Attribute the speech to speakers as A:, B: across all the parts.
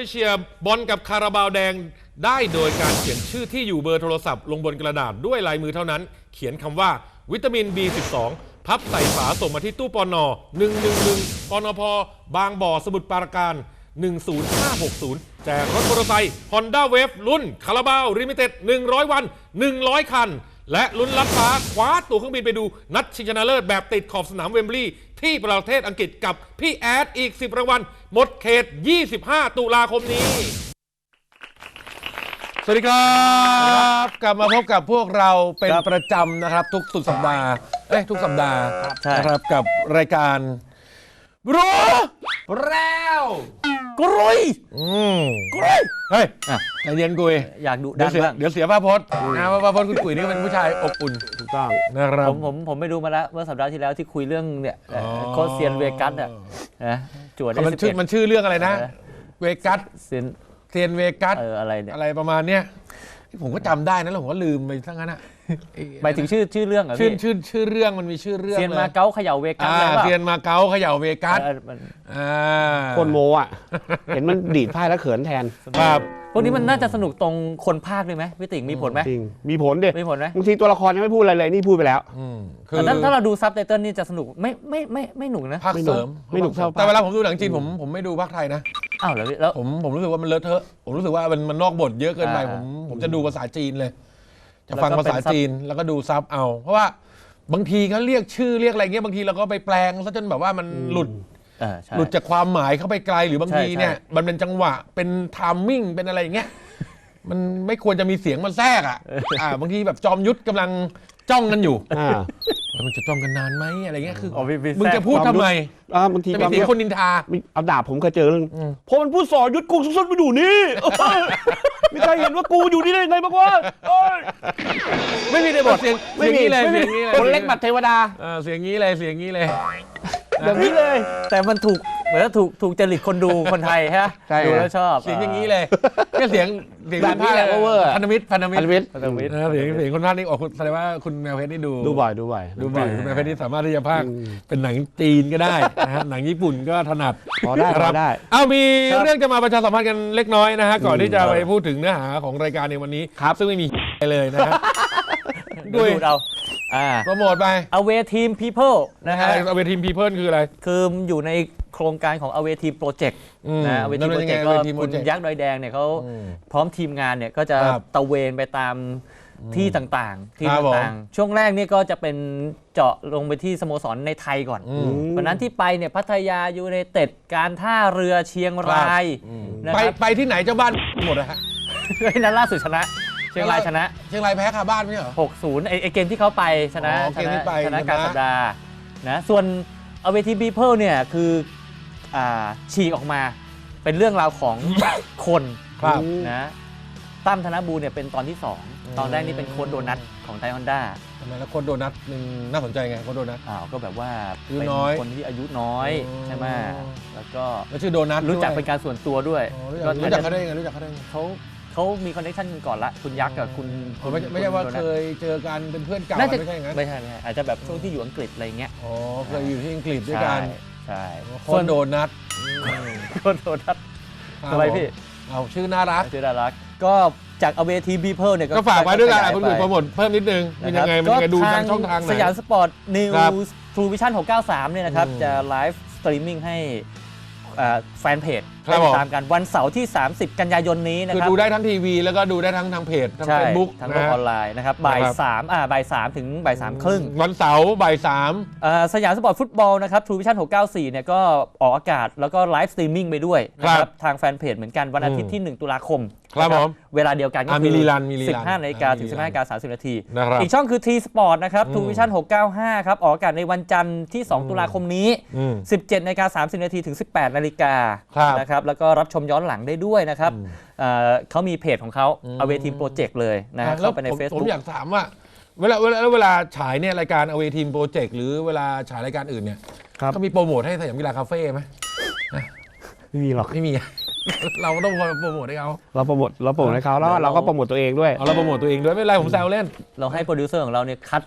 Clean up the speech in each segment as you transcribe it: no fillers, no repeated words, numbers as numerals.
A: เชียร์บอลกับคาราบาวแดงได้โดยการเขียนชื่อที่อยู่เบอร์โทรศัพท์ลงบนกระดาษด้วยลายมือเท่านั้นเขียนคำว่าวิตามิน B12 พับใส่ฝาส่งมาที่ตู้ปน111ปนพบางบ่อสมุทรปราการ10560แจกรถมอเตอร์ไซค์ Honda Wave รุ่นคาราบาวลิมิเต็ด100 วัน100 คันและลุ้นลัดฟ้าคว้าตั๋วเครื่องบินไปดูนัดชิงชนะเลิศแบบติดขอบสนามเวมบลีย์ที่ประเทศอังกฤษกับพี่แอดอีก10รางวัลหมดเขต25ตุลาคมนี้สวัสดีครับกลับมาพบกับพวกเราเป็นประจำนะครับทุกสุดสัปดาห์ทุกสัปดาห์นะครับกับรายการรู้แล้วกรุยเฮ้ยใจเย็นกุย
B: อยากดูดันบ้าง
A: เดี๋ยวเสียภาพพจน์นะว่าภาพพจน์คุณกุยนี่เป็นผู้ชายอบอุ่น
B: ถูกต้อง
A: นะครับ
B: ผมไปดูมาแล้วเมื่อสัปดาห์ที่แล้วที่คุยเรื่องเนี่ยโคเซียนเวกัสอ่ะนะจวดได้
A: มันชื่อเรื่องอะไรนะเวกัสเซียนเวกัส
B: อะไรเนี่ย
A: อะไรประมาณเนี้ยผมก็จำได้นะแล้วผมก็ลืมไปทั้งนั้นอ่ะ
B: หมายถึงชื่อเรื่องเหรอพี่
A: ชื่อเรื่องมันมีชื่อเรื่อง
B: เซียนมาเก๊าเขย่าเวกัส
A: เซียนมาเก๊าเขย่าเวกัส
C: คนโมอ่ะเห็นมันดีดไพ่แล้วเขินแทน
A: ครับ
B: พวกนี้มันน่าจะสนุกตรงคนภาคด้วยไหมพี่ติ๋งมีผลไหม
C: จริงมีผลดิ
B: มีผลไหม
C: บางทีตัวละครยังไม่พูดอะไรเลยนี่พูดไปแล้ว
B: แต่ถ้าเราดูซับไตเติลนี่จะสนุกไม่หนุกนะ
A: ภาคเสริม
C: ไม่หนุกเท่า
A: แต่เวลาผมดูหนังจีนผมไม่ดูภาคไทยนะ
B: อ้าวแล้ว
A: ผมรู้สึกว่ามันเลอะเทอะผมรู้สึกว่ามันนอกบทเยอะเกินไปผมจะดูภาษาจีนเลยจะฟังภาษาจีนแล้วก็ดูซับเอาเพราะว่าบางทีเขาเรียกชื่อเรียกอะไรเงี้ยบางทีเราก็ไปแปลงซะจนแบบว่ามันหลุดจากความหมายเข้าไปไกลหรือบางทีเนี่ยมันเป็นจังหวะเป็นไทมิ่งเป็นอะไรอย่างเงี้ยมันไม่ควรจะมีเสียงมันแทรกบางทีแบบจอมยุทธกำลังจ้องกันอยู่มันจะจ้องกันนานไหมอะไรเงี้ยคือมึงจะพูดทำไม
C: บางที
A: จะมีเสียงคนนินทา
C: เอาดาบผมเคยเจอเรื่องพอมันพูดสอยุทธกูสุดๆไปดูนี่ไม่เคยเห็นว่ากูอยู่นี่ได้ไงบ้างวะ
A: ไม่มีในบทเสียงนี้เลย
C: คนเล็กบัดเทวดา
A: เสียงนี้เลยอย่างนี้
C: เลย
B: แต่มันเหมือนถูกจริตคนดูคนไทยฮะดูแล้วชอบ
A: เสียงอย่างนี้เลยแค่เสียง
C: แบบนี้แหละเวอร์
A: พันธมิตรเสียงคนภาคนี้ออกแสดงว่าคุณแมวเพชรนี่ดู
C: บ่อย
A: คุณแมวเพชรนี่สามารถที่จะพากย์เป็นหนังจีนก็ได้นะฮะหนังญี่ปุ่นก็ถนัด
C: พอได้
A: มีเรื่องจะมาประชาสัมพันธ์กันเล็กน้อยนะฮะก่อนที่จะไปพูดถึงเนื้อหาของรายการในวันนี้ซึ่งไม่มีเลยนะครับ
B: ดูเรา
A: โปรโมทไป
B: Away Team People นะฮะ
A: Away Team People คืออะไร
B: คืออยู่ในโครงการของ Away Team Project นะ Away Team Project ก็คุณยักษ์ดอยแดงเนี่ยเขาพร้อมทีมงานเนี่ยก็จะตะเวนไปตามที่ต่างๆช่วงแรกนี่ก็จะเป็นเจาะลงไปที่สโมสรในไทยก่อนวันนั้นที่ไปเนี่ยพัทยายูไนเต็ดการท่าเรือเชียงราย
A: ไปที่ไหนเจ้าบ้านหมดนะฮะ
B: นั้นล่าสุดชนะเชียงรายชนะ
A: เชียงรายแพ้คาบ้านไม่ใช่เหรอ
B: 60ไอเกมที่เขาไปชนะกลางสัปดาห์นะส่วนAway Team Peopleเนี่ยคือฉีกออกมาเป็นเรื่องราวของคนนะตั้มธนบูรณ์เนี่ยเป็นตอนที่2ตอนแรกนี่เป็นโค้ชโดนัทของไทยฮอนด้า
A: ทำไมแล้วโค้ชโดนัทนึงน่าสนใจไงโค้ชโดนัท
B: ก็แบบว่าเป็นคนที่อายุน้อยใช่ไหมแล้วก็
A: ชื่อโดนัท
B: รู้จักเป็นการส่วนตัวด้วย
A: รู้จักเขาได้ไง
B: เขามีคอนเนคชั่นกันก่อนละคุณยักษ์กับคุณ
A: ไม่ใช่ว่าเคยเจอกันเป็นเพื่อนเก่าไม่ใช่งั้น
B: ไม่ใช่อาจจะแบบช่วงที่อยู่อังกฤษอะไรเงี้ย
A: เคยอยู่ที่อังกฤษด้วยกัน
B: ใช่
A: คนโดนัท
B: อะไรพี่
A: เอาชื่อน่ารัก
B: ก็จาก Away Team People เนี่ย
A: ก็ฝากไว้ด้วยกันคุณโปรโมทเพิ่มนิดนึงเป็นยังไงดูทางช่องทางไหน
B: สยามสปอร์ตนิวส์ทรูวิชั่น693เนี่ยนะครับจะไลฟ์สตรีมมิ่งให้แฟนเพจติดตามกันวันเสาร์ที่30กันยายนนี้นะครับ
A: คือดูได้ทั้งทีวีแล้วก็ดูได้ทั้งเพจทั้ง Facebook
B: ทั้งออนไลน์นะครับบ่าย3ถึงบ่าย3ครึ่ง
A: วันเสาร์บ่าย
B: 3สยามสปอร์ตฟุตบอลนะครับ True Vision 694เนี่ยก็ออกอากาศแล้วก็ไลฟ์สตรีมมิ่งไปด้วยนะครับทางแฟนเพจเหมือนกันวันอาทิตย์ที่1ตุลาคม
A: ครับผม
B: เวลาเดียวกันก็คือ 15 นาฬิกาถึง 15:30 นาทีอีกช่องคือ T Sport นะครับ True Vision 695ครับออกอากาศในวันจันทร์ที่2ตุลาคมนี้ 17:30 นาทีถึง 18 นาฬิกานะครับแล้วก็รับชมย้อนหลังได้ด้วยนะครับเขามีเพจของเขา Away Team Project เลยนะเข้าไปใน Facebook
A: ผมอยากถามว่าเวลาฉายเนี่ยรายการ Away Team Project หรือเวลาฉายรายการอื่นเนี่ยเขามีโปรโมทให้สยามกีฬาคาเฟ่ไหม
C: ไม่มีหรอก
A: ไม่มีเราต้องโปรโมทให้เขา
C: เราโปรโมทให้เขาแล้วเราก็โปรโมทตัวเองด้วย
A: เราโปรโมทตัวเองด้วยไม่เป็นไรผมแซวเล่น
B: เราให้โปรดิวเซอร์ของเราเนี่ยคัด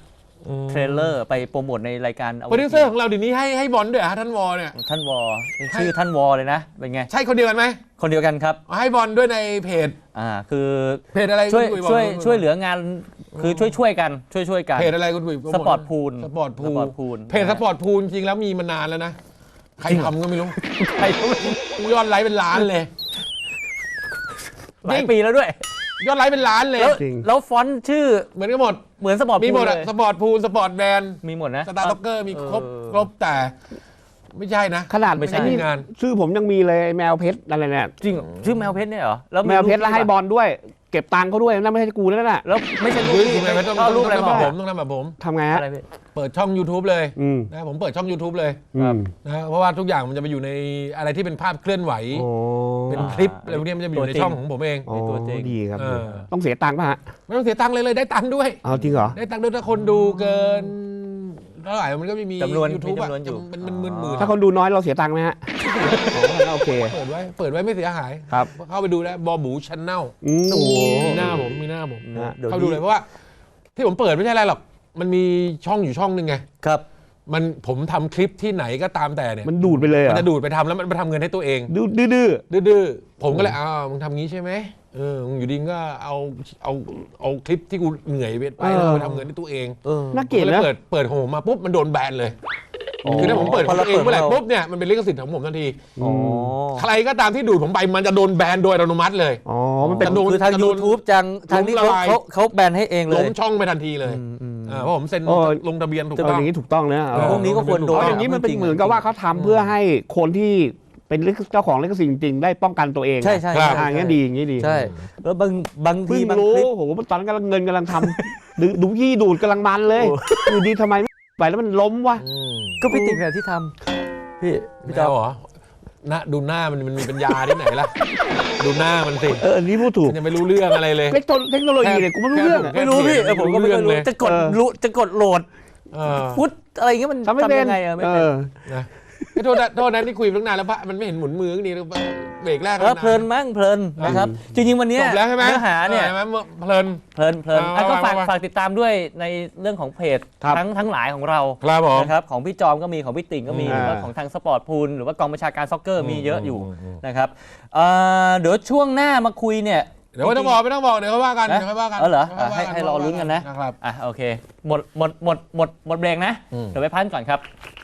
B: เทรลเลอร์ไปโปรโมทในรายการ
A: โปรดิวเซอร์ของเราเดี๋ยวนี้ให้บอลด้วยท่านวอเนี่ย
B: ท่านวอชื่อท่านวอเลยนะเป็นไง
A: ใช่คนเดียวกันไหม
B: คนเดียวกันครับ
A: ให้บอลด้วยในเพจ
B: คือ
A: เพจอะไร
B: ช่วย
A: คุณกุ
B: ช่วยเหลืองานคือช่วยกันกัน
A: เพจอะไรคุณกุย
B: สปอร์ตพูล
A: สปอร์ตพูลเพจสปอร์ตพูลจริงแล้วมีมานานแล้วนะใครทำก็ไม่รู้
B: ใครก็ไม่รู้
A: ยอดไลค์เป็นล้านเลย
B: หลายปีแล้วด้วย
A: ยอดไลค์เป็นล้านเลย
B: แล้วฟอนต์ชื่อ
A: เหมือนกันหมด
B: เหมือนสปอร์ต
A: มี
B: พู
A: หม
B: ล
A: ด
B: เล
A: อะ
B: ย
A: สปอร์ตพูลสปอร์ตแบนด์
B: มีหมดนะ
A: สตาร์ต็อกเกอร์มีครบแต่ไม่ใช่นะ
C: ขนาด
B: ไม่ใช่
C: อ้นี่
A: งาน
C: ชื่อผมยังมีเลยแมวเพชรอะไรเนี่ย
B: จริงเหรอชื่อแมวเพชรเนี่ยเหรอแล้ว
C: แมวเพชรแล้วให้บอลด้วย เก็บตังค์เขาด้วยนั่นไม่ใช่กูแล้วน่ะ
B: แล้วไม่ใช่รูป
A: เฮ้ย
B: ที่
A: ไม่ต้อง
B: ก็รูปอะไร
A: ทำ
B: มา
A: แบบผมต้องทำแบบผม
C: ทำไงฮะ
B: อะไรพี่
A: เปิดช่อง YouTube เลย
C: อืม
A: นะผมเปิดช่อง YouTube เลย
C: อืม
A: นะเพราะว่าทุกอย่างมันจะไปอยู่ในอะไรที่เป็นภาพเคลื่อนไหว
C: โอ้
A: เป็นคลิปอะไรพวกนี้มันจะไปอยู่ในช่องของผมเอง
C: โอ้
B: ตัวจริง
C: ดีครับ
A: เออ
C: ต้องเสียตังค์ป่ะฮะ
A: ไม่ต้องเสียตังค์เลยได้ตังค์ด้วย
C: เอาจริงเหรอ
A: ได้ตังค์ด้วยถ้าคนดูเกินเท่าไหร่มันก็ไม่มี
B: จำนวน
A: YouTube
B: มี
A: อะ
B: จำนวนอยู่
A: มันหมื่น
C: ถ้าคนดูน้อยเราเสียตังค์ไหมฮะโอเค
A: เปิดไว้ไม่เสียหาย
C: ครับ
A: เข้าไปดูได้บอบูชันแนล
C: โอ้โห
A: มีหน้าผมมีหน้าผม
C: ฮะ
A: เข้าดูเลยเพราะว่าที่ผมเปิดไม่ใช่อะไรหรอกมันมีช่องอยู่ช่องหนึ่งไง
B: ครับ
A: ผมทำคลิปที่ไหนก็ตามแต่เนี่ย
C: มันดูดไปเลยเหร
A: มัน
C: อ่ะ
A: จะดูดไปทำแล้วมันไปทำเงินให้ตัวเอง
C: ดื้อ
A: ดื้อๆผมก็เลยมึงทำงี้ใช่ไหมมึงอยู่ดีก็เอาคลิปที่กูเหนื่อยไปแล้วเอาไปทำเงินให้ตัวเอง
C: น่าเกลียด
A: ผม
C: นะ
A: เปิดของผมมาปุ๊บมันโดนแบนเลย
B: อ๋อ
A: คือถ้าผมเปิดของตัวเองเมื่อไหร่
B: พอเราเปิด
A: ปุ๊บเนี่ยมันเป็นลิขสิทธิ์ของผมทันที
B: อ๋อ
A: ใครก็ตามที่ดูดผมไปมันจะโดนแบนโดยอัตโนมัติเลย
C: อ๋อมันเป็น
A: กระโดด
B: คือทาง YouTube ทางนี้
A: ล้มละลาย
B: เขาแบนให้เองเล
A: ล้
B: ย
A: มช่องไปทันทีเลยเพราะผมเซ็นลงทะเบียนถูก
C: เออ
A: ต้อง
C: อย่างนี้ถูกต้องนะ
B: พวกนี้ก็ควรโดน
C: เพราะอย่างนี้มันเป็นเหมือนกับว่าเขาทำเพื่อให้คนที่เป็นเจ้าของลิขสิทธิ์จริงๆได้ป้องกันตัวเอง
B: ใช่
C: อย่างนี้ดีอย่างนี้ดี
B: ใช่แล้วบางที
C: เพิ่ง
B: บาง
C: รู้
B: คลิป
C: โอ้โหตอนนั้นกำลังเงินกำลังทำ ดูยี่ดูดกำลังมันเลยอยู่ดีทำไมไปแล้วมันล้มวะ
B: ก็พี่ติ๊กเนี่ยที่ทำพี่
A: ไม่
B: จอ
A: เอาเหรอดูหน้ามันมีปัญญาที่ไหนล่ะ ดูหน้ามันสิ
C: อันนี้พูดถูก
A: มันยังไม่รู้เรื่องอะไรเลย
C: เทคโนโลยีเนี่ยกูไม่รู้เรื่องอะ
B: ไม่รู้พี่ผมก็ไม่รู้จะกดโหลด
A: เออ
B: ฟุตอะไรเงี้ยมัน
C: ทำไม่เป็น
B: ยังไงไม่เป็น
A: นะโทษนะที่คุยตั้งนานแล้วพระมันไม่เห็นหมุนมือนี่เบรกแรก
B: เพลินมั้งเพลินนะครับจริงๆวันนี้
A: จบแล้วใช่ไหม
B: เนื้อหาเนี่ย
A: ใช่ไหมเพลิน
B: เพลินก็ฝาก
A: ว่า
B: ฝากติดตามด้วยในเรื่องของเพจ
C: ครับ
B: ทั้งหลายของเรา
A: ครับผม
B: นะครับของพี่จอมก็มีของพี่ติ่งก็มีหรือว่าของทางสปอร์ตพูลหรือว่ากองบัญชาการซ็อกเกอร์มีเยอะอยู่นะครับเดี๋ยวช่วงหน้ามาคุยเนี่ย
A: เดี๋ยวไม่ต้องบอกเดี๋ยวค่อยว่ากัน
B: นะ
A: เดี๋ยวค่อยว่ากัน
B: เหรอ
A: เดี๋ยวค่อยว่ากัน
B: ให้รอลุ้นกันนะ
A: นะครับ
B: โอเคหมดเบรกนะ เดี๋ยวไปพักก่อนครับ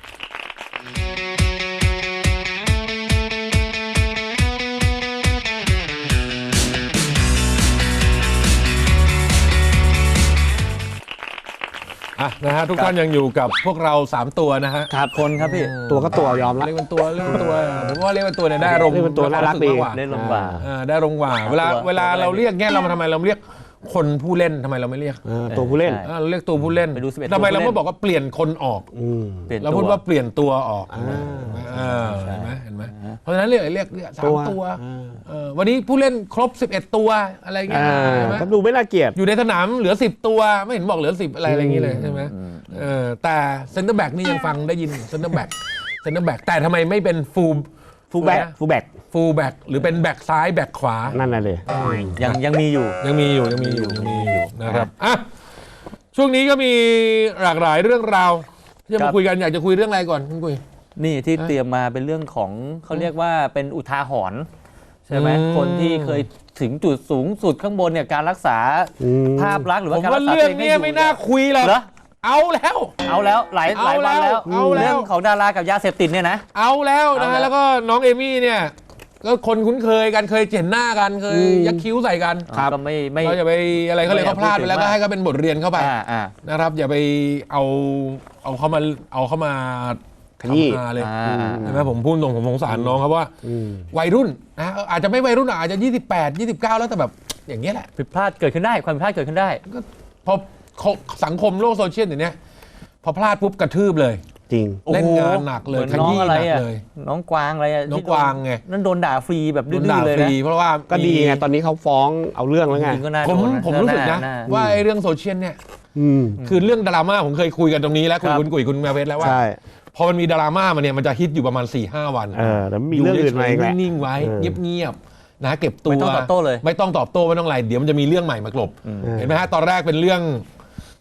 A: นะฮะทุกท่านยังอยู่กับพวกเรา3ตัวนะฮะ
B: ครับคนครับพี่
C: ตัวก็ตัวยอมละ
A: เรียกเป็นตัวผมว่าเรียกเป็นตัวเนี่ยได้อารมณ์
C: เรียกเป็นตัวน่ารักดี
B: เล่นลงกว่า
A: ได้อารมณ์กว่าเวลาเราเรียกเนี่ยเรามาทำไมเราเรียกคนผู้เล่นทำไมเราไม่เรียก
C: ตัวผู้เล่น
A: เราเรียกตัวผู้เล่น
B: ไปดู11
A: ทำไมเรา
B: ตัวผู้เล่น
A: ไม่บอกว่าเปลี่ยนคนออก
B: เปลี่ยน
A: เรา
B: ตั
A: พูด
B: ว
A: ว่าเปลี่ยนตัวออก
B: ใช่
A: เห็นไหมเพราะฉะนั้นเรียก3 ตัววันนี้ผู้เล่นครบ11 ตัวอะไรเงี้ยใช่ไหม
C: ก็ดูไม่น่าเกลียด
A: อยู่ในสนามเหลือ10 ตัวไม่เห็นบอกเหลือ10อะไรอย่างนี้เลยใช่ไหมแต่เซนเตอร์แบ็กนี่ยังฟังได้ยินเซนเตอร์แบ็กแต่ทำไมไม่เป็นฟูลแบ็ก
C: ฟูลแบ็ก
A: หรือเป็นแบ็กซ้ายแบ็กขวา
C: นั่นน่ะเลย
B: ยังมีอยู่
A: ยังมีอยู่นะครับอ่ะช่วงนี้ก็มีหลากหลายเรื่องราวที่จะ
B: ครั
A: มา
B: บ
A: คุยกันอยากจะคุยเรื่องอะไรก่อนคุณกุย
B: นี่ที่เตรียมมาเป็นเรื่องของเขาเรียกว่าเป็นอุทาหรณ์ใช่ไหมคนที่เคยถึงจุดสูงสุดข้างบนเนี่ยการรักษาภาพลักษณ์หรือ
A: ผ
B: ว่าม การรั
A: ว่าก
B: ษา
A: เรื่อง
B: ตัว
A: เนี้ยไม่น่าคุยหรอก
B: เหรอ
A: เอาแล้ว
B: เอาแล้วหลายวันแล้ว
A: เอาแล้ว
B: เรื่องของดารากับยาเสพติดเนี่ยนะ
A: เอาแล้วนะ
B: เอาแล้
A: ฮะ
B: ว
A: แล้วก็น้องเอมี่เนี่ยก็คนคุ้นเคยกันเคยเห็นหน้ากันเคยยักคิ้วใส่กัน
B: ก็ไม่
A: เราอย่าไปอะไรเขาเลยเขาพลาดไปแล้ว
B: ไม่
A: ก็
B: อยากพูดถึง
A: ให้เขาเป็นบทเรียนเข้าไป
B: อ่า
A: นะครับ อย่าไปเอาเข้ามา
C: ขยี้
A: ทำมาเลย
B: อ่า
A: ใช่ไหมผมพูดตรงผมสงสารน้องครับว่าวัยรุ่นนะอาจจะไม่วัยรุ่นอาจจะ28 29แล้วแต่แบบอย่างเงี้ยแหละ
B: ผิดพลาดเกิดขึ้นได้ความผิดพลาดเกิดขึ้นได้
A: พอสังคมโลกโซเชียลอย่างเนี้ยพอพลาดปุ๊บกระทืบเลย
C: จริง
A: เล่นงานหนักเลย
B: หมือนน้องอะไร
A: ขยี้หนั
B: อ่ะ
A: กเลย
B: น้องกวางอะไรอ่ะ
A: น้องกวางไง
B: นั่นโดนด่าฟรีแบบ
A: โด
B: ดื้
A: นด่า
B: อๆเลย
A: ฟ
B: นะ
A: รีเพราะว่า
C: ก็ดีไงตอนนี้เขาฟ้องเอาเรื่องแล้วไง
B: จริงก็น่า
A: ผม
B: โดนนะ
A: ผมรู้สึกนะ
B: หา
A: ว่าไอ้เรื่องโซเชียลเนี่ย
C: อืม
A: คือเรื่องดราม่าผมเคยคุยกันตรงนี้แล้ว
B: ครับ
A: คุณกุ๋ยคุณแมวเพชรแล้วว่า
C: ใช่
A: พอมันมีดราม่ามาเนี่ยมันจะฮิตอยู่ประมาณ 4-5 วัน
C: แล้วมีเรื่องอื่นมาอีกแหละ
A: นิ่งๆไว้
C: เออ
A: เงียบๆนะเก็บตัว
B: ไม่ต้องตอบโต้เลย
A: ไม่ต้องตอบโต้ไม่ต้องอะไรเดี๋ยวมันจะมีเรื่องใหม่มากลบเห็นไหมฮะตอนแรกเป็นเรื่อง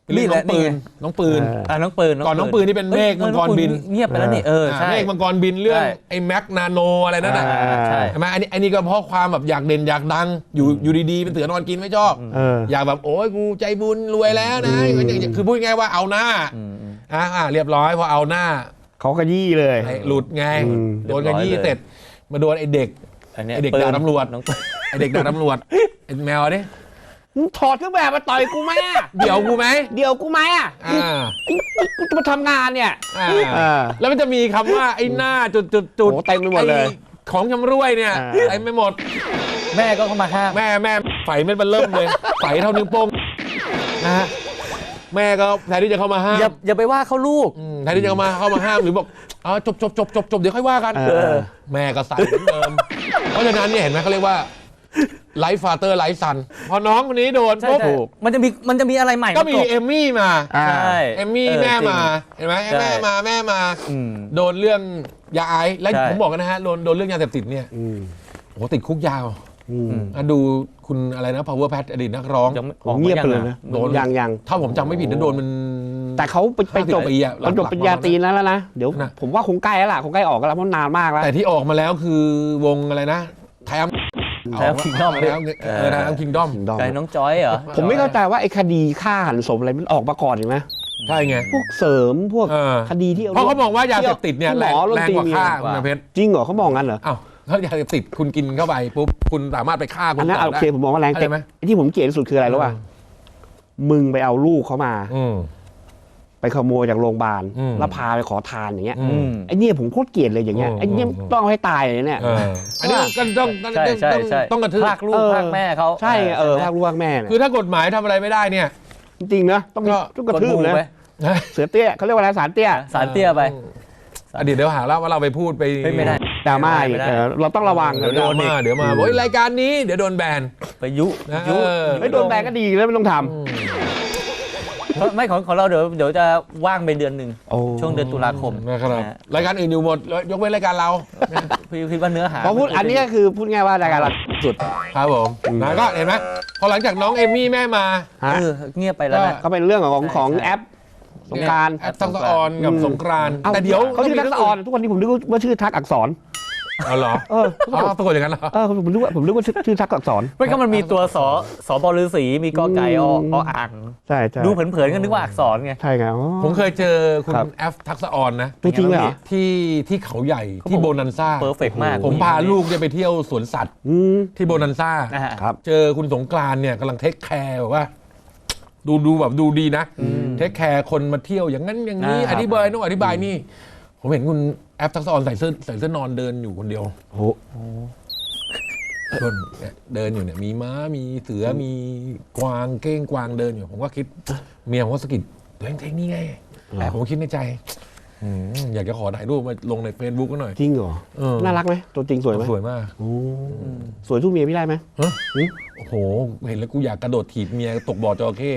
A: เรื่องน้องปืนน้องปืน
B: น้องปืน
A: ก่อนน้องปืนนี่เป็นเมฆมังกรบิน
B: เงียบไปแล้วนี่ใช่
A: เมฆมังกรบินเรื่องไอ้แม็กนาโนอะไรนั่นน่ะ
B: ใช่
A: ใช่ไหมอันนี้ก็เพราะความแบบอยากเด่นอยากดังอยู่ดีๆเป็นเสือนอนกินไม่ชอบอยากแบบโอ้ยกูใจบุญรวยแล้วนะคือพูดง่ายว่าเอาหน้าเรียบร้อยพอเอาหน้า
C: เขาขยี้เลย
A: หลุดไงโดนกระยี่เสร็จมาโดนไอ้เด็กด่าตำรวจไอ้เด็กด่าตำรวจไอ้แมวดิ
C: ถอดเครื่องแบบมาต่อยกูไหมอ่ะ
A: เดี๋ยวกูไหม
C: เดี๋ยวกูไหมอ่ะกูจะมาทำงานเนี่ย
A: แล้วมันจะมีคำว่าไอ้หน้าจุด
C: โอ้เต็มไปหมดเลย
A: ของชำร่วยเนี่ยเต็มไปหมด
B: แม่ก็เข้ามาห้าม
A: แม่ไฝเม็ดมันเริ่มเลยไฝเท่านิ้วโป้งนะฮะแม่ก็แทนที่จะเข้ามาห้าม
B: อย่าไปว่าเขาลูก
A: แทนที่จะเข้ามาห้ามหรือบอกจบเดี๋ยวค่อยว่ากันแม่ก็ใส่เหมือนเดิมเพราะฉะนั้นเนี่ยเห็นไหมเขาเรียกว่าไลฟ์ฟาเตอร์ไลฟ์ซันพอน้องคนนี้โดนปุ๊บ
B: มันจะมีอะไรใหม่
A: ก็มีเอมมี่มา
B: ใช่
A: เอมมี่แม่มาเห็นไหมแม่มาโดนเรื่องยาไอซ์และผมบอกกันนะฮะโดนเรื่องยาเสพติดเนี่ยโอ้ติดคุกยาวดูคุณอะไรนะ power pat อดีตนักร้อง
C: เงียบไปเลยนะ
A: โดนยังถ้าผมจำไม่ผิดนะโดนมัน
C: แต่เขาไปจบปริญญาตรีแล้วนะเดี๋ยวผมว่าคงใกล้แล้วล่ะคงใกล้ออกแล้วเพราะนานมากแล้ว
A: แต่ที่ออกมาแล้วคือวงอะไรนะไทม์
B: คิงดอม
A: คิงดอม
B: ไก่น้องจอยเหรอ
C: ผมไม่เข้าใจว่าไอ้คดีฆ่าหันศพอะไรมันออกมาก่อนเห็นไหม
A: ใช่ไง
C: พวกเสริมพวกคดีที่
A: เพราะเขาบอกว่ายาเสพติดเนี่ยแรงกว่าฆ่าคุณเพชร
C: จริงเหรอเขามองงั้นเหรอ
A: อ้าวถ้ายาเสพติดคุณกินเข้าไปปุ๊บคุณสามารถไปฆ่าคน
C: อันนั้นโอเคผมมองว่าแรงแต่ที่ผมเกลียดที่สุดคืออะไรรู้ป่ะมึงไปเอาลูกเขามาไปขโมยจากโรงพยาบาลแล้วพาไปขอทานอย่างเงี้ยไอ้เนี่ยผมโคตรเกลียดเลยอย่างเงี้ยไอ้เนี่ยต้องให้ตายเลยเนี่ย
A: อันนี้ก็ต้องกระทืบ
B: ภาคลูกภาคแม่เขา
C: ใช่ภาคลูกภาคแม่
A: คือถ้ากฎหมายทำอะไรไม่ได้เนี่ย
C: จริงๆนะต้องกระทืบนะเสือเตี้ยเขาเรียกว่าอะไรสารเตี้
B: ยไป
A: เดี๋ยวหาแล้วว่าเราไปพูดไป
B: ไม่ได้
C: ดราม่าอีกเราต้องระวัง
A: เดี๋ยวมาโอ้ยรายการนี้เดี๋ยวโดนแบน
B: ไปยุ
C: ไม่โดนแบนก็ดีแล้วไม่ต้องทำ
B: ไม่ของเราเดี๋ยวจะว่างไปเดือนหนึ่งช่วงเดือนตุลาคม
A: นะครับรายการอื่นอยู่หมดยกเว้นรายการเรา
B: พี่คิดว่าเนื้อหา
C: พอพูดอันนี้ก็คือพูดง่ายว่ารายการเราสุด
A: ครับผมนะก็เห็นไหมพอหลังจากน้องเอมี่แม่มา
B: เงียบไปแล้วนะ
C: ก็เป็นเรื่องของแอปสงกรานต์
A: ทักษะออนกับสงกรานต์แต่เดี๋ยว
C: เขาชื่อทักษะออนทุกวันนี้ผมนึกว่าชื่อทักอักษร
A: เหรอปรากฏอย่างนั้นเหรอ
C: ผมนึกว่าชื่อทักอักษร
B: ไม่ก็มันมีตัวสบฤาษีมีกอไก่ออ่าง
C: ใช่
B: ดูเผินๆก็นึกว่าอักษรไง
C: ใช่ไง
A: ผมเคยเจอคุณแอฟทักษะออนนะ
C: จริงเหรอ
A: ที่เขาใหญ่ที่โบนันซ่า
B: เพอร์เฟกต์มาก
A: ผมพาลูกไปเที่ยวสวนสัตว์ที่โบนันซ่าเจอคุณสงกรานต์เนี่ยกำลังเทคแคร์แบบว่าดูแบบดูดีนะเทคแคร์คนมาเที่ยวอย่างนั้นอย่างนี้อธิบายโน่นอธิบายนี่ผมเห็นคุณแอฟทักษะออนใส่เสื้อนอนเดินอยู่คนเดียว
C: โอ้
A: คนเดินอยู่เนี่ยมีม้ามีเสือมีกวางเก้งกวางเดินอยู่ผมก็คิดเมียผมก็สะกิดตัวเองนี่ไงแต่ผมคิดในใจอยากจะขอถ่ายรูปมาลงใน Facebook ก็หน่อย
C: จริงเหรอน่ารักไหมตัวจริงสวยไหม
A: สวยมาก
C: สวยทุกเมียพี่ได้ไหม
A: โอ้โหเห็นแล้วกูอยากกระโดดถีบเมียตกบ่อจระเข้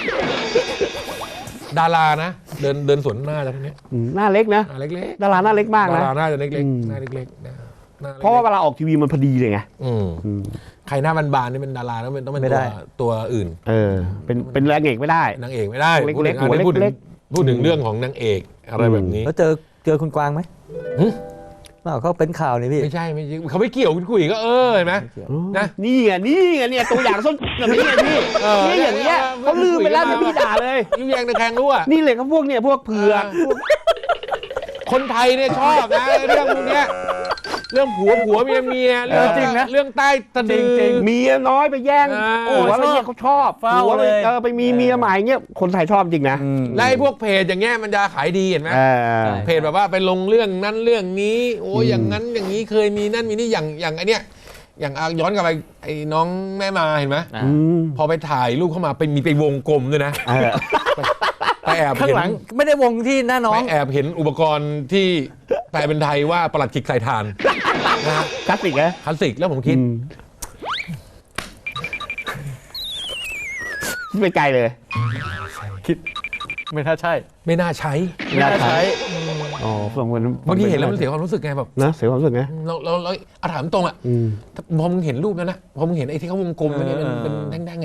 A: ดารานะเดินสวนหน้าจากนี้
C: หน้าเล็กนะ
A: เล็ก
C: ดาราหน้าเล็กมากนะ
A: ดาราหน้าจะเล็กหน้าเล็ก
C: เพราะว่าเวลาออกทีวีมันพอดีเลยไง
A: ใครหน้าบานๆนี่เป็นดาราต้องเป็นตัวอื่น
C: เป็นนางเอกไม่ได้
A: นางเอกไม่ได้เล็กหัวเล็กพูดถึงเรื่องของนางเอกอะไรแบบนี้
B: แล้วเจอคุณกวางไหมเขาเป็นข่าวนี่พี่
A: ไม่ใช่เขาไม่เกี่ยวคุณคุยก็เห็นไหม
C: นะนี่ไงเนี่ยตัวอย่างส้นแบบนี้ไงพี่นี่อย่างเงี้ยเขาลืมไปแล้วพี่ด่าเลย
A: ยุ่งแยงตะแคงรู้อ่ะ
C: นี่เลยเขาพวกเนี่ยพวกเผือก
A: คนไทยเนี่ยชอบนะเรื่องพวกเนี้ยเรื่องผัวเมียเรื่องจริงนะเรื่องใต้ตะดึง
C: เมียน้อยไปแย่งผัวไปแย่งเขาชอบผัวไปมีเมียใหม่เงี้ยคนไทยชอบจริงนะ
A: ไล่พวกเพจอย่างเงี้ยมันจะขายดีเห็นไหมเพจแบบว่าไปลงเรื่องนั้นเรื่องนี้โอ้อย่างนั้นอย่างนี้เคยมีนั่นมีนี่อย่างไอเนี้ยอย่างย้อนกลับไปไอ้น้องแม่มาเห็นไหมพอไปถ่ายรูปเข้ามามีไปวงกลมด้วยนะไปแอบ
B: ข้างหลังไม่ได้วงที่หน้าน้อง
A: ไปแอบเห็นอุปกรณ์ที่แปลเป็นไทยว่าปลัดขิกใส่ถ่าน
C: คลาสสิกนะ
A: คลาสสิกแล้วผมคิด
C: ไม่ไกลเลย
B: คิดไม่น่าใช่
A: ไม่น่าใช้
C: อ๋
A: บางทีเห็นแล้วมันเสียความรู้สึกไงแบบ
C: นะเสียความรู้สึกไง
A: เราถามตรงอ่ะพอมึงเห็นรูปนั้นนะพอมึงเห็นไอ้ที่เขาวงกลมมันเป็นแดงๆเนี่ย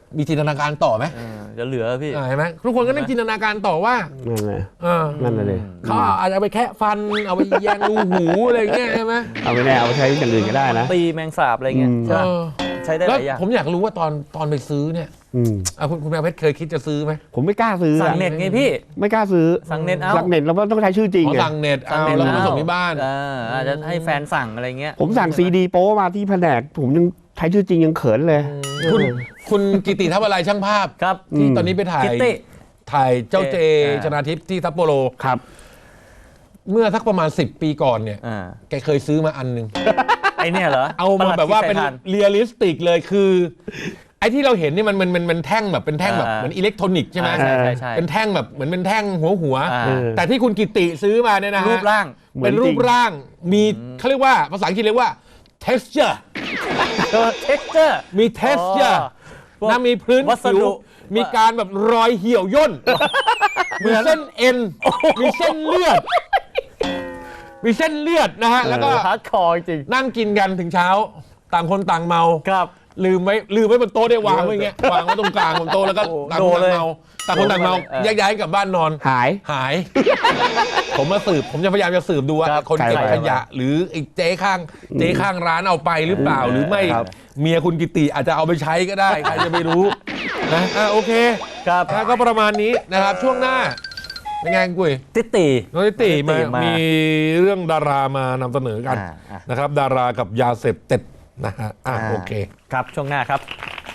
A: มีจินตนาการต่อไหม
B: จะเหลือพี่
A: เห็นไหมทุกคนก็นั่งจินตนาการต่อว่า
C: นั่นเลย
A: เออ
C: นั่นเลย
A: เขาอาจจะเอาไปแคะฟันเอาไปแยงรูหูอะไรอย่างเงี้ยใช่ไหม
C: เอาไปแน่เอาไปใช้อย่างอื่นก็ได้นะ
B: ตีแมงสาบอะไรเงี้ยใช่ปะใช้ได้ห
A: แล้ว
B: ลายอย่าง
A: ผมอยากรู้ว่าตอนไปซื้อเนี่ย คุณแมวเพชรเคยคิดจะซื้อไหม
C: ผมไม่กล้าซื้อ
B: สั่งเน็ตไงพี่
C: ไม่กล้าซื้อ
B: สั่งเน็ตเอา
C: สั่งเน็ตเราต้องใช้ชื่อจริง
A: ขอ
C: ไง
A: สั่งเน็ตเอาแล้วก็มาส่งที่บ้าน
B: อาจจะให้แฟนสั่งอะไรเงี้ย
C: ผมสั่งซีดีโป้มาที่แผนกผมยังใช้ชื่อจริงยังเขินเลย
A: คุณกิติทัพอะไรช่างภาพ
B: ครับ
A: ที่ตอนนี้ไปถ่าย
B: คิตตี้
A: เจ้าเจชนาทิพย์ที่ซัปโปโร
C: ครับ
A: เมื่อสักประมาณ10 ปีก่อนเนี่ย
B: อ่า
A: แกเคยซื้อมาอันหนึง
B: ไอเนี่ยเหรอ
A: เอามาแบบว่าเป็น
B: ประหลัดขิด
A: เรียลลิสติกเลยคือไอ้ที่เราเห็นนี่มันแท่งแบบเป็นแท่งแบบเหมือนอิเล็กทรอนิกส์ใช่ไหม
B: ใช่ใช่ใช่
A: เป็นแท่งแบบเหมือนเป็นแท่งหัว
B: อ่า
A: แต่ที่คุณกิติซื้อมาเนี่ยนะฮะ
B: รูปร่าง
A: เป็นรูปร่างมีเขาเรียกว่าภาษาอังกฤษเรียกว่า texture
B: texture
A: มี texture
B: พวก
A: นะมีพื้น
B: วัส
A: ผิว
B: ดุ
A: มีการแบบรอยเหี่ยวย่นมีเส้นเอ็นมีเส้นเลือด มีเส้นเลือดนะฮะแล้วก็
B: ฮาร์ดคอร์จริง
A: นั่งกินกันถึงเช้าต่างคนต่างเมา
B: ครับ
A: ลืมไว้บนโต๊ะได้วางไว้อย่างเงี้ยวางไว้ตรงกลางบนโต๊ะแล้วก็
B: โอ้
A: ต่างคนต่างเมาต่างคนต่างเมา
B: เออ
A: แยกย้ายกลับบ้านนอน
C: หาย
A: หาย ผมจะพยายามจะสืบดูว่า
B: ครับ
A: คนเก็บ
C: ใคร
A: ขยะ หรือไอ้เจ๊ข้างร้านเอาไปหรือเปล่าหรือไม่
C: ครับ
A: เมียคุณกิติอาจจะเอาไปใช้ก็ได้ใครจะไม่รู้นะโอเค
B: ครับ
A: ก็ประมาณนี้นะครับช่วงหน้าเป็นไงกุ้ย
B: ติตี
A: น้องนิติ
B: น้องนิติมามี
A: มีเรื่องดารามานำเสนอกัน
B: อ่า
A: นะครับ ดารากับยาเสพติดนะฮะโอเค
B: ครับช่วงหน้าครับ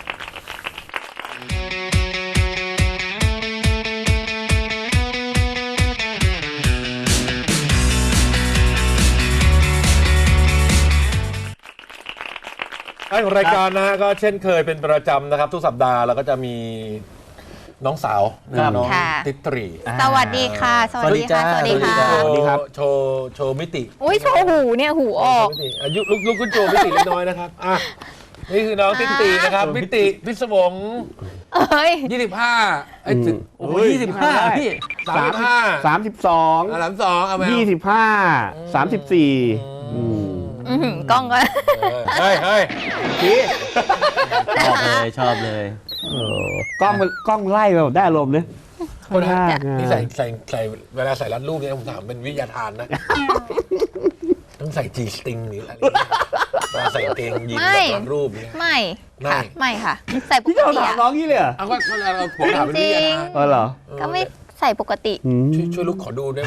A: ท้ายของรายการนะฮะก็เช่นเคยเป็นประจำนะครับ ทุกสัปดาห์เราก็จะมีน้องสาว
B: ครับ
A: น้อง
D: ค่ะ
A: ติตรี
D: สวัสดีค่ะ สวัสดีค่ะ
B: ส
D: ส
B: วั
D: วั
B: ส
D: ส
B: ดี
D: ดี
B: จ้า
D: ค่ะ
C: สวัสดีครับ
A: โชว์มิติ
D: อุ้ยโชว์หูเนี่ยหูออก
A: มิติอายุลูกคุณโจมิติเล็กน้อยนะครับนี่คือน้องติตรีนะครับมิติพิศวง
D: เอ้ย
A: 25ถึง
B: โอ้โห25พี่
A: 35
C: 32
A: 32เอาไหม
C: 25 34
D: อื้อหือกล้องก็
A: เฮ้ย
B: ชอบเลย
C: กล้องไล่แบบได้อารมณ์เนี่ย
A: คนฮะ
C: มาก
A: นี่ใส่เวลาใส่รัดรูปเนี่ยผมถามเป็นวิทยาทานนะ ต้องใส่จีสติงหรืออะไรเวลาใส่เกงยีนส์แบบรัดรูปเนี่ย
D: ไม่
A: ไม่
D: ค่ะไม่ค่ะ ใส่ป
C: พี่
D: ก
C: เจ้า
D: ติ
C: ถาม
D: อะ
C: น้องนี่เลยเหรอ
A: เอาก็เราผมถามเป็นวิทยาทาน
C: เออเหรอ
D: ก็ไม่ใส่ปกติ
A: ช่วยลูกขอดูด้วย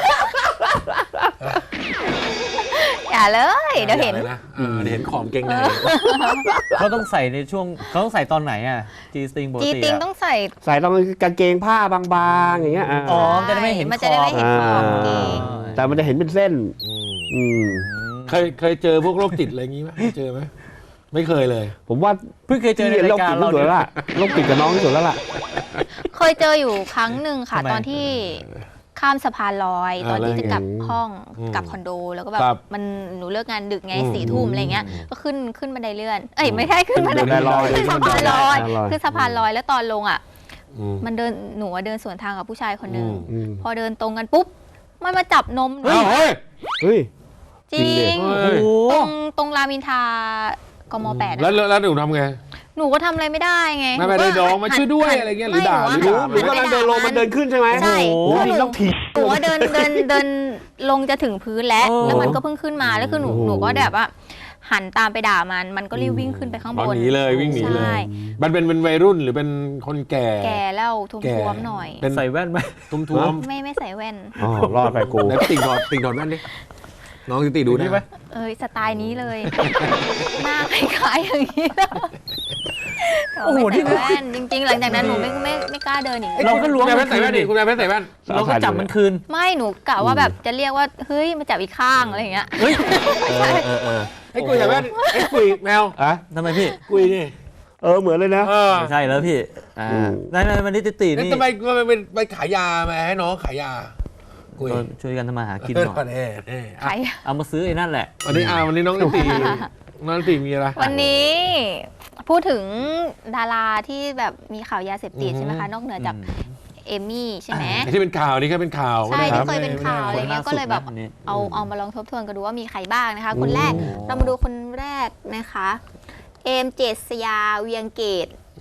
D: อย่าเลย เดี๋ยวเห็น
A: อาลนะเดี๋ยวเห็นของเกงใน
B: เขาต้องใส่ในช่วงเขาต้องใส่ตอนไหนอ่ะจีสติงปก
D: จี
B: ติ
D: ติง
B: อะ
D: ต้องใส่
C: ใส่ต้องกางเกงผ้าบางๆอย่างเงี้ย
B: อ๋อ จะได้ไม่เห็น
D: มันจะได้ไม่เห็นขอบเกง
C: แต่มันจะเห็นเป็นเส้น
A: เคยเจอพวกโรคจิตอะไรอย่างงี้ไหมเจอไหมไม่เคยเลย
C: ผมว่า
B: เพิ่งเคยเจอในรายการ
C: โร
B: เรา
C: คจิตที่สุดแล้วล่ะโรคจิตกับน้องที่สุดแล้วล่ะ
D: เคยเจออยู่ครั้งหนึ่งค่ะ
B: ทำไม
D: ตอนที่ข้ามสะพานลอย ตอนที่จะกลับห้องกลับคอนโด แล้วก็แบบ
A: ครับ
D: มันหนูเลิกงานดึกไง4 ทุ่มอะไรเงี้ยก็ขึ้นบันไดเลื่อน เอ้ยไม่ใช่ขึ้นบันได
C: บันไดลอย
D: ขึ้นสะพานลอย
C: บันไดลอย
D: ขึ้นสะพานลอยแล้วตอนลงอ่ะ มันเดินหนูอะเดินสวนทางกับผู้ชายคนหนึ่งพอเดินตรงกันปุ๊บมันมาจับนมหนู
A: เฮ้ย
C: เฮ้ย
D: จริง
A: เฮ้ย
B: โอ้โห
D: ตรงรามอินทรากม8
A: แล้วหนูทำไง
D: หนูก็ทำอะไรไม่ได้ไง
A: ไม่ได้น้องมาช่วยด้วยอะไรเงี้ยหรือด่าหรือด่า
C: หนูกำลังเดินลงมันเดินขึ้นใช่ไหม
D: ใช่
C: โอ้โหนี่ต้องถีบ
D: หนูว่าเดินลงจะถึงพื้นแล้วแล้วมันก็เพิ่งขึ้นมาแล้วคือหนูก็แบบว่าหันตามไปด่ามันก็รีบวิ่งขึ้นไปข้างบน
A: หนีเลยวิ่งหนีเล
D: ใช่
A: ยมันเป็นวัยรุ่นหรือเป็นคนแก่
D: แกแล้วทุ่มๆหน่อย
A: เป็น
B: ใส่แว่นไหม
A: ทุ่ม
D: ไม่ใส่แว่น
C: อ๋อรอดไปกู
A: ๆแล้วติ่งถอดแว่นดิน้องติ่งดูได้ไหม
D: เอ้ยสไตล์นี้เลย หน้าคล้ายๆอย่างนี้แล้ว
B: โอ้โหนี่
D: ไม่ใส่แว่นจริงๆ หลังจากนั้นหนูไม่กล้าเดินอีก
B: เราก็ล้วง
A: คุณแม่ใส่แว่นดิคุณแม่ใส่แว่น
B: เราก็จับมันคืน
D: ไม่หนูกะว่าแบบจะเรียกว่าเฮ้ยมาจับอีกข้างอะไรอย่างเงี้ย
B: เฮ้ย
A: ไอ้กุยใส่แว่นไอ้กุยแมว
C: อะ
B: ทำไมพี่
A: กุยนี่
C: เหมือนเลยนะ
B: ไม่ใช่แล้วพี่นั่นมันนี่ติตี
A: แล้ว
B: นี่
A: ทำไมไปขายยามาให้น้องขายยากุย
B: ช่วยกันทำมาหากินหน่อย
D: ใคร
B: เอามาซื้อไอ้นั่นแหละ
A: วันนี้น้องติมีอะไร
D: วันนี้พูดถึงดาราที่แบบมีข่าวยาเสพติดใช่ไหมคะ นอกเหนือจากเอมี่ใช่ไหม
A: ที่เป็นข่าวนี่ก็เป็นข่าว
D: ใช่
A: นะค
D: ที่
A: รับ
D: เคยเป็นข่าวอะไรเงี้ยก็เลยแบบเอามาลองทบทวนกันดูว่ามีใครบ้างนะคะ คนแรกเรามาดูคนแรกนะคะ เอมเจษยาเวียงเกต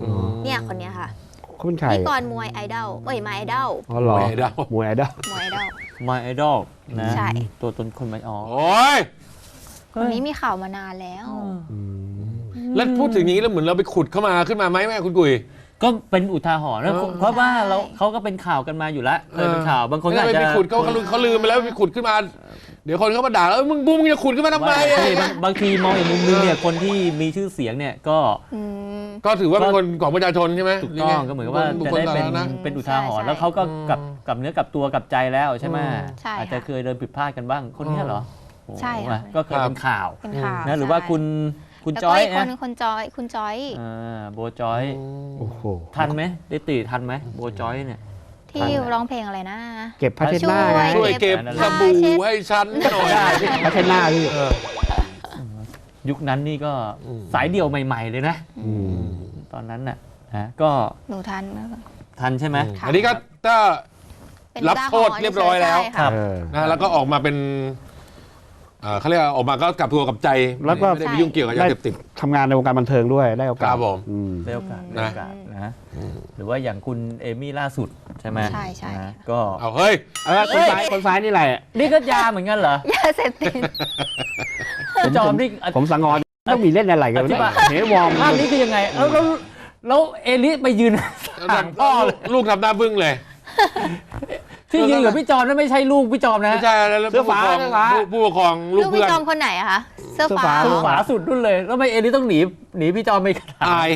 D: เนี่ยคนเนี้ยค่ะ
C: เขาเป็นใคร
D: พิธีกรมวยไอดอลเอ้ยมาไอดอล
C: อ๋อเหรอ
A: มวยไอดอล
C: มวยไอดอล
D: มวยไอดอล
B: My Idol นะ
D: ใช่
B: ตัวตนคนไม่อ๋อ
A: โอ้ย
D: คนนี้มีข่าวมานานแล้ว
A: แล้วพูดถึงอย่างนี้แล้วเหมือนเราไปขุดเข้ามาขึ้นมาไหมแม่คุณกุย
B: ก็เป็นอุทาหรณ์นะ
A: เออ
B: เพราะว่า
D: ใช่
B: เขาก็เป็นข่าวกันมาอยู่แล้วเคยเป็นข่าวบางคนก็อาจ
A: ไม่
B: จะ
A: ไปขุดเขาลืมไปแล้วไปขุดขึ้นมา เดี๋ยวคนเขามาด่าแล้วมึงจะขุดขึ้นมาทำไม
B: ว่าบางทีมองอีกมุมนึงเนี่ยคนที่มีชื่อเสียงเนี่ยก็
D: อืม
A: ก็ถือว่าเป็นคนของประชาชนใช่ไหม
B: ถูกต้องก็เหมือนกับว่า
A: บุค
B: จะ
A: คล
B: ได้
A: สา
B: เป็น
A: ธารณะ
B: เป็นอุทาหรณ์
D: ใช่
B: แล้วเขาก็กลับเนื้อกลับตัวกลับใจแล้วใช่ไหม
D: ใช่ค่ะ
B: อาจจะเคยเดินผิดพลาดกันบ้างคนเนี้ยเหรอโอ้โห
D: ใช่ค่ะ
B: ก็เคยเป็นข่าว
D: เป็นข่าว
B: นะหรือว่า
D: ใช่
B: คุณ
D: แล้ว
B: จ
D: ก็
B: อย
D: อีกคน
B: นะ
D: นึงคุณจอย
B: โบจอย
C: โอ้โห
B: ทันไหมได้ตีทันไหมโบจอยเนี่ย
D: ที่ร้องเพลงอะไรนะ
C: เก็บผ้าเช็ดหน้าไง
A: ช่วยเก็บสบู่ให้ฉันหน่อย
C: ผ้าเช็ดหน้าพี่
B: ยุคนั้นนี่ก็
A: อืม
B: สายเดี่ยวใหม่ ๆ เลยนะ
C: อืม
B: ตอนนั้นน่ะนะก็
D: หนูทัน
B: ทันใช่ไหม
D: ค่ะ
A: อันนี้ก็ถ้า
D: เป็น
A: รับโทษเรียบร้อยแล้ว
D: ใช่ค่ะ
C: เออ
A: นะแล้วก็ออกมาเป็นเขาเรียกว่าออกมาก็กลับตัวกลับใจ
C: แล้วก็
A: ไม่ได้ไปยุ่งเกี่ยวกับยาเสพติด
C: ทำงานในวงการบันเทิงด้วยได้โอกาส
A: ครับผม
C: อืม
B: ได้โอกาส
A: นะ
B: นะหรือว่าอย่างคุณเอมี่ล่าสุดใช่ไหม
D: ใช่
B: นะก็
A: เอาเฮ้ย
C: คนซ้ายนี่แหละ
B: นี่ก็ยาเหมือนกันเหรอย
D: าเสพติด
B: จอมนี่
C: ผมสังงอนต้องมีเล่นอะไรกัน
B: อธิบาย
C: เฮวอร์ม
B: ภาพนี้คือยังไงแล้วเอลิไปยืนห่างพ่อเลย
A: ลูกทำหน้าบึ้งเลย
B: ที่ยืนกับพี่จอมนั่นไม่ใช่ลูกพี่จอมนะ
A: ไม่ใช่แล้วผู้ปกครองลู
D: ลู
A: ก
D: ก
A: เพื่
D: พี่
A: อน
D: จอมคนไหนอะคะเสื้อฟ้า
B: คือขวาสุดนู่นเลยแล้วทำไมเอลิต้องหนีพี่จอมไปขนาด
A: อาย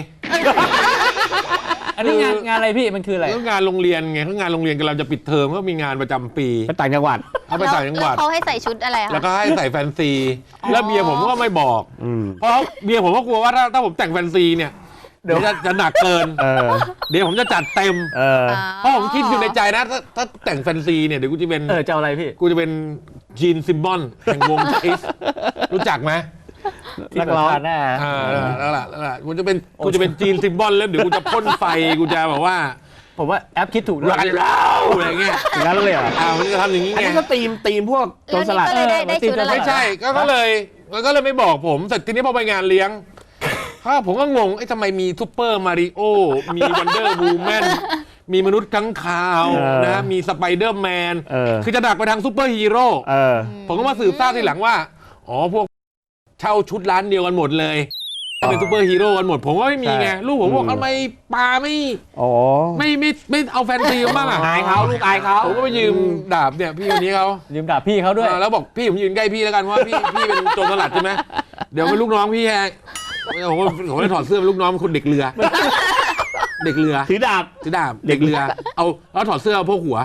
B: อันนี้งานอะไรพี่มันคืออะไร
A: เรื่องงานโรงเรียนไงเขางานโรงเรียนกำลังจะปิดเทอมก็มีงานประจำปี
C: ไปต่างจังหวัด
A: เขาไปต่างจังหวัด
D: แล้วเขาให้ใส่ชุดอะไรคะ
A: แล้วก็ให้ใส่แฟนซี แล้วเมียผมก็ไม่บอก
C: อืม
A: เพราะเมียผมก็กลัวว่าถ้าผมแต่งแฟนซีเนี่ยเดี๋ยวจะหนักเกิน
C: เออ
A: เดี๋ยวผมจะจัดเต็ม
C: เออ
A: เพราะผมคิดอยู่ในใจนะถ้าแต่งแฟนซีเนี่ยเดี๋ยวกูจะเป็น
B: จะเอาอะไรพี่
A: กูจะเป็นจีนซิมบอนแห่งวงคิสรู้จักไหม
B: นักร้องหน้า
A: แล้วล่ะกูจะเป็นจีนซิมบอนแล้วเดี๋ยวกูจะพ่นไฟกูจะแบบว่า
B: ผมว่าแอปคิดถูก
A: รันเล่าอะไรเงี้ย
C: อย่างนั้นเลยเหรอ
A: มันจะทำอย่างนี้
C: อัน
A: ไง
C: นี้ก็ตีมพวกโจรสลัด
D: แล้วนี่ก็เลยได้ชุดอะไร
A: ไม่ใช่ก็เลยไม่บอกผมเสร็จทีนี้พอไปงานเลี้ยงผมก็งงทำไมมีซูเปอร์มาริโอมีวันเดอร์วูแมนมีมนุษย์ค้างคาวนะมีสไปเดอร์แมนคือจะดักไปทางซูเปอร์ฮีโร่ ผมก็มาสืบทราบทีหลังว่าอ๋อพวกเช่าชุดร้านเดียวกันหมดเลยเป็นซูเปอร์ฮีโร่กันหมดผมก็ไม่มีไงลูกผมบอกทำไมปาไม่เอาแฟนซีบ้างอ่ะ
C: อายเขาลูกอายเขา
A: ผมก็ไปยืมดาบเนี่ยพี่คนนี้เขา
B: ยืมดาบพี่เขาด้วย
A: แล้วบอกพี่ผมยืนใกล้พี่แล้วกันว่าพี่เป็นโจรสลัดใช่ไหมเดี๋ยวเป็นลูกน้องพี่ผมเลยถอดเสื้อเป็นลูกน้องเป็นคนเด็กเรือ เด็กเรือ
C: ถือดาบ
A: เด็กเรือเอาแล้วถอดเสื้อพวกหัว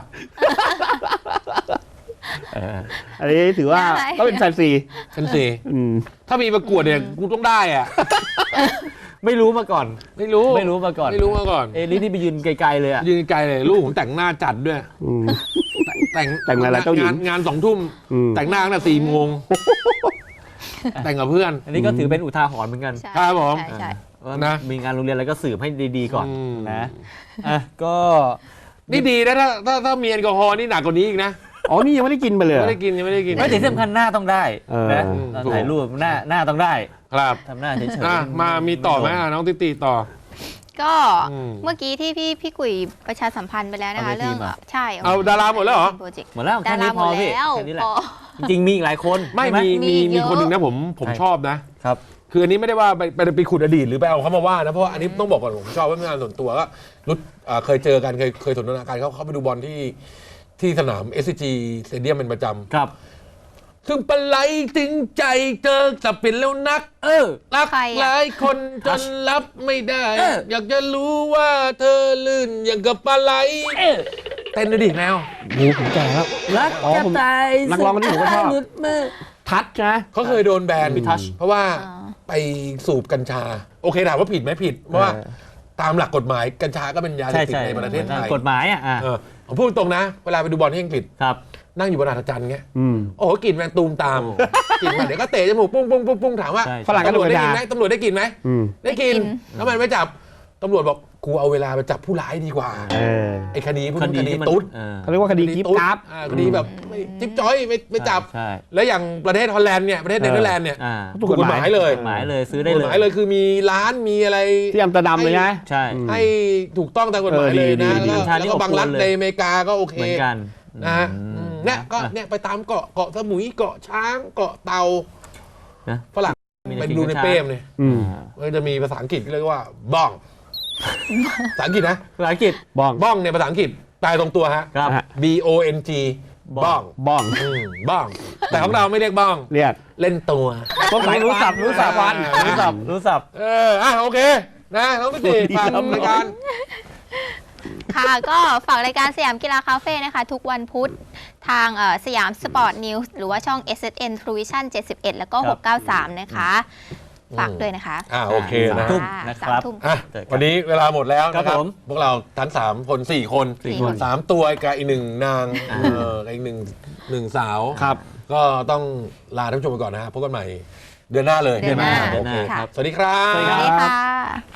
C: อันนี้ถือว่าก็เป็นแฟนซี
A: ฉันสิ
C: อืม
A: ถ้ามีประกวดเนี่ยกูต้องได้อ่ะ
B: ไม่รู้มาก่อน
A: ไม่รู้
B: มาก่อน
A: ไม่รู้มาก่อน
B: เอลิที่ไปยืนไกลๆเลยอ่ะ
A: ยืนไกลเลยลูกผมแต่งหน้าจัดด้วย
C: อืม
A: แต่ง
C: อะไรเจ้าหญิง
A: งาน2 ทุ่ม
C: อืม
A: แต่งหน้าตั้งแต่4 โมงแต่งกับเพื่อน
B: อันนี้ก็ถือเป็นอุทาหรณ์เหมือนกัน
D: ใช่
A: ครับผม
D: ใช่
B: ว่า
A: นะ
B: มีงานโรงเรียนอะไรก็สืบให้ดีๆก่อน
A: อืม
B: นะก็
A: นี่ดีนะถ้ามีแอลกอฮอล์นี่หนักกว่านี้อีกนะ
C: อ๋อนี่ยังไม่ได้กินไปเลย
A: ไม่ได้กินยังไม่ได้กิน
B: ไม่แต่ที่สำคัญหน้าต้องได้นะ
A: ถูก
B: ถ่ายรูปหน้าต้องได้
A: ครับ
B: ทำหน้าเฉยๆ
A: มามีต่อไหมน้องติติต่อ
D: ก็
A: อืม
D: เมื่อกี้ที่พี่กุยประชาสัมพันธ์ไปแล้วนะคะ
B: เอาเวที
D: เรื่อง
B: มา
D: ใช่
A: เอาดาราหมดแล้วเหรอ
D: โปรเจกต์
B: หมดแล้ว
D: ดา
B: แค่
D: รา
B: นี้
D: ห
B: พ
D: ม
B: อ
D: ด
B: พี่
D: แล้ว
B: แค่นี้แหละ
D: พอ
B: จริงๆมีอีกหลายคน
A: ไม่
B: ใช่ไห
A: มี
D: เยอะ
A: คนหนึ่งนะผมชอบนะ
B: ครับ
A: คืออันนี้ไม่ได้ว่าไปขุดอดีตหรือไปเอาเขามาว่านะเพราะว่าอันนี้ต้องบอกก่อนผมชอบว่าเป็นงานส่วนตัวก็เคยเจอกันเคยสนทนาการเขาไปดูบอลที่สนาม SCG Stadium เป็นประจำ
B: ครับ
A: ซึ่งปลาไหลถึงใจเจอจะเป็นแล้วนัก รัก
D: ใครอะ
A: หลายคนจนรับไม่ได้ อยากจะรู้ว่าเธอลื่นอย่างกับปลาไหลเต้นด้วยดิแมว
C: หมูผมแก่แล้ว
B: รัก
C: อ๋อ
B: จะ
C: ผม
B: ตาย
C: นักร้องคนนี้ผมก็ชอบ
B: หลุดมือ
C: ทัดนะ
A: เขาเคยโดนแบน
B: มีทัช
A: เพราะว่า
D: อ๋อ
A: ไปสูบกัญชา โอเคถามว่าผิดไหมผิดเพราะว่าตามหลักกฎหมายกัญชาก็เป็นยาเส
B: ใช่
A: พติด
B: ใช่
A: ในประเทศไทย
B: กฎหมายอ่ะ
A: ผมพูดตรงนะ เวลาไปดูบอลที่อังกฤษ
B: ครับ
A: นั่งอยู่บนอัฐจันทร์เงี้ย
C: อืม
A: โอ้โหกลิ่นแมงตูมตามกลิ่นมันเดี๋ยวก็เตะจมูกปุ้งปุ้งปุ้งปุ้งถามว่า
B: ใช่
C: ฝรั่งก็
A: ตำรวจได้
C: ดู
A: กิน
C: กัญชา
A: ไหมตำรวจได้กินไหม
C: อืม
A: ได้กินแล้วมันไม่จับตำรวจบอกกูเอาเวลาไปจับผู้ร้ายดีกว่า ไอ้คดีพวกนี้คดี
B: ที่มัน
A: ตุ๊ด
C: เขาเรียกว่าคดีกิ๊บกราฟ
A: คดีแบบไม่จิ๊บจ้อยไม่จับ
B: ใช่
A: แล้วอย่างประเทศฮอลแลนด์เนี่ยประเทศเนเธอร์แลนด์เนี่ย
C: ถูกกฎหมาย
A: เลย
B: กฎหมายเลยซื้อได้
A: ก
B: เล
A: ฎหมายเลย ยคือมีร้านมีอะไร
C: ที่อัมสเตอร์ดัมเลยนะ
B: ใช่
A: ให้ถูกต้องตามกฎหมายเลยนะ
C: ดี
A: แล้วก็บางรัฐในอเมริกาก็โอเค
B: เหมือนกัน
A: นะฮะเนี่ยก็เนี่ยไปตามเกาะสมุยเกาะช้างเกาะเตา
B: นะ
A: ฝรั่งไปดูในเป้มเนี่ย มันจะมีภาษาอังกฤษเรียกว่าบ้องภาษาอังกฤษนะ
B: ภาษาอังกฤษ
C: บ้อง
A: บ้องเนี่ยภาษาอังกฤษแปลตรงตัวฮะ
B: ครับ
A: B O N G บ้อง
C: บ้อง
A: บ้อง แต่ของเราไม่เรียกบ้อง
C: เรียก
A: เล่นตัว
C: ต้องสาย
B: รู้สับรู้สับ
C: วัน
B: รู้สับรู้สับ
A: โอเคนะน้องพิติฟังรายการ
D: ค่ะก็ฝากรายการสยามกีฬาคาเฟ่นะคะ ทุกวันพุธทางสยามสปอร์ตนิวส์หรือว่าช่อง SSN True Vision 71 แล้วก็
B: ครับ
D: 693 นะคะ ฝากด้วยนะคะ
A: โอเคนะ
B: ทุ่มนะครับ
D: 3 ทุ่ม
A: วันนี้เวลาหมดแล้วนะครับ
B: ผม
A: พวกเราทั้ง3 คน4 คน
D: 4 คน
A: 3 ตัวกับอีก1 นางอีกหนึ่งสาว
C: ครับ
A: ก็ต้องลาท่านผู้ชมไปก่อนนะฮะพบกันใหม่เดือนหน้าเลย
D: เดือนหน้า
A: โอเค
D: ค่ะ
A: สวัสดีครับ
B: สวัสดี
D: ส
B: ค
D: วั
B: รับ
D: สดีค่ะ